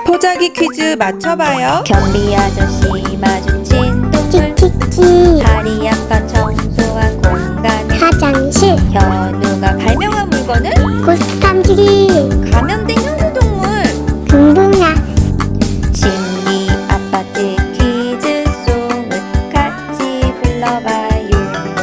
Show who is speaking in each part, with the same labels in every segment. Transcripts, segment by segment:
Speaker 1: 포자기 퀴즈 맞춰봐요.
Speaker 2: 변비 아저씨 마주친 동물
Speaker 3: 키키
Speaker 2: 다리 약간 청소한 공간
Speaker 3: 화장실
Speaker 2: 현우가 발명한 물건은
Speaker 3: 고스탐지기
Speaker 2: 감염된 현우동물
Speaker 3: 금붕아
Speaker 2: 신비 아파트 퀴즈송을 같이 불러봐요.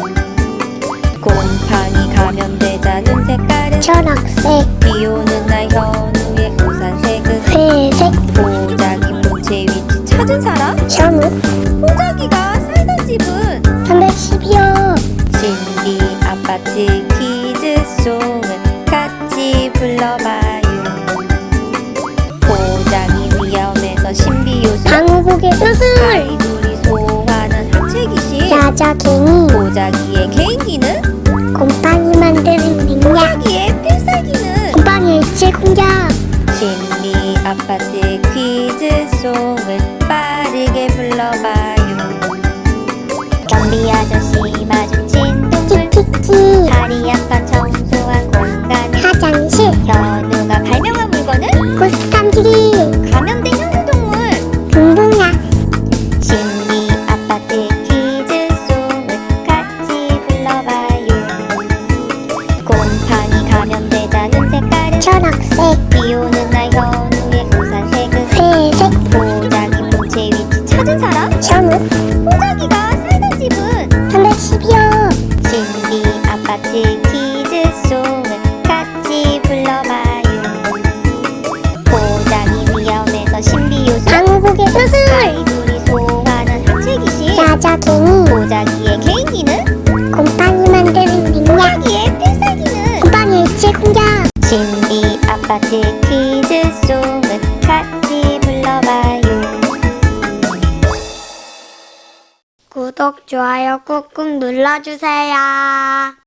Speaker 2: 곰팡이 감염되자 눈 색깔은
Speaker 3: 초록색
Speaker 2: 비오는 날 현우의 우산색은
Speaker 3: 회색
Speaker 2: 포자기 본체 위치 찾은 사람?
Speaker 3: 현우
Speaker 2: 포자기가 살던 집은
Speaker 3: 312호
Speaker 2: 신비 아파트 퀴즈송을 같이 불러봐요. 포장이 위험해서 신비 요소
Speaker 3: 방울고개 수술
Speaker 2: 아이돌이 소환한 하체 귀신
Speaker 3: 야자갱이
Speaker 2: 포자기의 개인기는
Speaker 3: 곰팡이 만드는 능력
Speaker 2: 포자기의 필살기는
Speaker 3: 곰팡이 일체 공격
Speaker 2: 신비 아파트 퀴즈송을 빠르게 불러봐요. 변비 아저씨 마주친 동물
Speaker 3: 키키
Speaker 2: 다리 약간 청소한 공간
Speaker 3: 화장실
Speaker 2: 현우가 발명한 물건은
Speaker 3: 고스탐지기
Speaker 2: 감염된 현우동물
Speaker 3: 금붕아
Speaker 2: 신비 아파트 퀴즈송을 같이 불러봐요. 곰팡이 감염되자는 색깔은
Speaker 3: 초록색
Speaker 2: 비오는 날 현우의 우산색은
Speaker 3: 회색
Speaker 2: 포자기 본체 위치 찾은 사람?
Speaker 3: 현우
Speaker 2: 포자기가 살던 집은
Speaker 3: 312호
Speaker 2: 신비 아파트 퀴즈송을 같이 불러봐요. 포장이 위험해서 신비 요소
Speaker 3: 방울고개 수술
Speaker 2: 아이돌이 소환한 하체 귀신
Speaker 3: 야자갱이
Speaker 2: 포자기의 개인기는
Speaker 3: 곰팡이 만드는 능력
Speaker 2: 포자기의 필살기는
Speaker 3: 곰팡이 일체 공격
Speaker 2: 신비 아파트 퀴즈송을 같이 불러봐요.
Speaker 3: 구독, 좋아요 꾹꾹 눌러주세요.